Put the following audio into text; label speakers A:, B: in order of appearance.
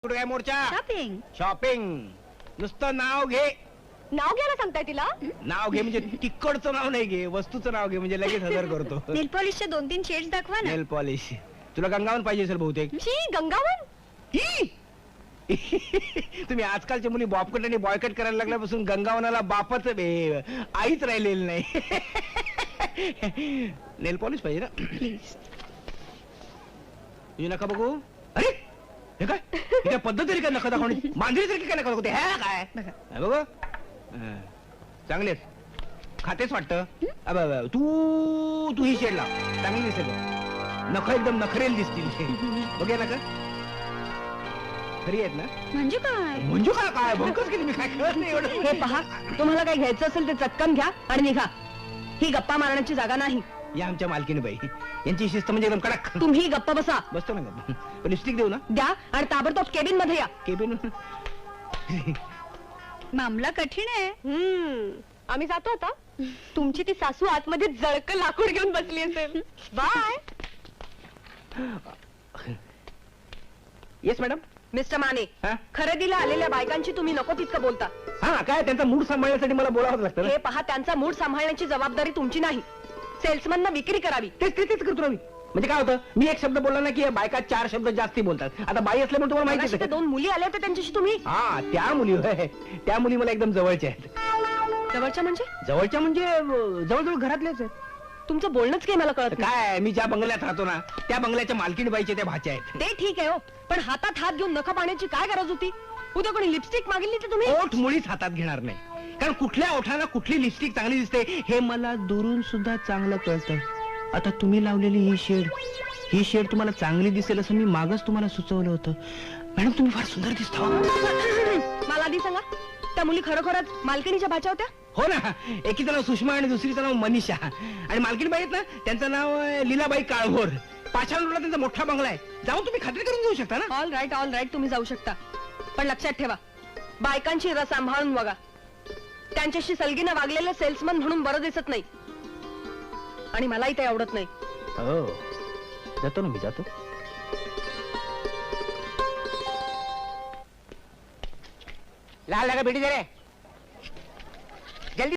A: कुठे काय मोर्चा?
B: Shopping.
A: Shopping. नुसतं नाव घे.
B: नाव घ्यायला सांगताय तिला?
A: नाव घे म्हणजे तिकडचं नाव नाही घे, वस्तूचं नाव घे म्हणजे लगेच हजर करतो.
B: नेल पॉलिशचे 2-3 शेड्स दाखवा ना.
A: Nail polish. तुला गंगावन पाहिजे असेल बहुतेक.
B: शी, गंगावन?
A: ही! तुम्ही आजकालच्या मुली बॉबकट आणि बॉयकट करायला लागल्यापासून गंगावनाला बापच आईच राहिलेली नाही. नेल पॉलिश पाहिजे ना.
B: प्लीज.
A: तुझी नका बघू. अरे हे काय हे काय पद्धत तरी काय नका दाखवणी. मांजरीसारखी काय नका दाखवते. हे काय
B: बघा.
A: हे बघ चांगलेच खातेच वाटतं. तू तू ही शेड लाव, चांगली दिसेल बघ. नख एकदम नखरेल दिसतील. बघे नका खरी आहेत ना.
B: म्हणजे काय?
A: म्हणजे काय काय भंकच केली मी, काय कळत नाही एवढं.
C: हे पहा, तुम्हाला काही घ्यायचं असेल ते चटकन घ्या आणि निघा. ही गप्पा मारण्याची जागा नाही.
A: या आमच्या मालकीने बाई, यांची शिस्त म्हणजे एकदम कडक.
C: तुम्ही गप्पा बसा.
A: बसतो ना गप्प. लिपस्टिक देऊ ना.
C: द्या आणि ताबडतोब केबिन मध्ये या.
A: केबिन.
B: मामला कठीण आहे. आम्ही जातो आता. तुमची ती सासू आतमध्ये जळक लाकूड घेऊन बसली असेल. Bye.
A: Yes madam.
C: Mister Mane,
A: हा?
C: खरेदीला आलेल्या बायकांची तुम्ही नको तितकं बोलता.
A: हा काय त्यांचा मूड सांभाळण्यासाठी मला बोलावंच लागतं ना.
C: हे पहा, त्यांचा मूड सांभाळण्याची जबाबदारी तुमची नाही. सेल्समन विक्री करावी.
A: तेच करतो ना मी. म्हणजे काय होतं, मी एक शब्द बोलला ना की बायका 4 शब्द जास्ती बोलतात. आता बाई असल्यामुळे तुम्हाला माहिती
C: मगाशी त्या 2 मुली आल्या होत्या त्यांच्याशी तुम्ही.
A: हा त्या मुली होय. त्या मुली मला एकदम जवळच्या आहेत.
C: जवळच्या म्हणजे?
A: जवळच्या म्हणजे जवळजवळ घरातल्याच आहेत.
C: तुमचं बोलणंच काही मला कळत नाही.
A: काय मी ज्या बंगल्यात राहतो ना त्या बंगल्याच्या मालकीण बाईच्या त्या भाच्या आहेत.
C: ते ठीक आहे हो, पण हातात हात घेऊन नखा पाण्याची काय गरज होती? उद्या कोणी लिपस्टिक मागितली तर तुम्ही?
A: ओठ मुळीच हातात घेणार नाही, कारण कुठल्या ओठाला कुठली लिपस्टिक चांगली दिसते हे मला दुरून सुद्धा चांगलं कळतं. आता तुम्ही लावलेली ही शेड तुम्हाला चांगली दिसेल असं मी मागच तुम्हाला सुचवलं होतं. मॅडम तुम्ही फार सुंदर दिसता.
C: मला आधी सांगा, त्या मुली खरोखरच मालकिणीच्या भाच्या होत्या?
A: हो ना. एकीचं नाव सुषमा आणि दुसरीचं नाव मनीषा. आणि मालकीण बाई आहेत ना त्यांचं नाव लीलाबाई काळभोर. पाषाण रोडला त्यांचा मोठा बंगला आहे. जाऊन तुम्ही खात्री करून घेऊ शकता ना.
C: ऑल राईट तुम्ही जाऊ शकता, पण लक्षात ठेवा, बायकांची रस सांभाळून बघा. त्यांच्याशी सलगीनं वागलेलं सेल्समन म्हणून बरं दिसत नाही, आणि मलाही ते आवडत नाही.
A: हो जातो ना मी, जातो. लाल लगा बेटी दे रे.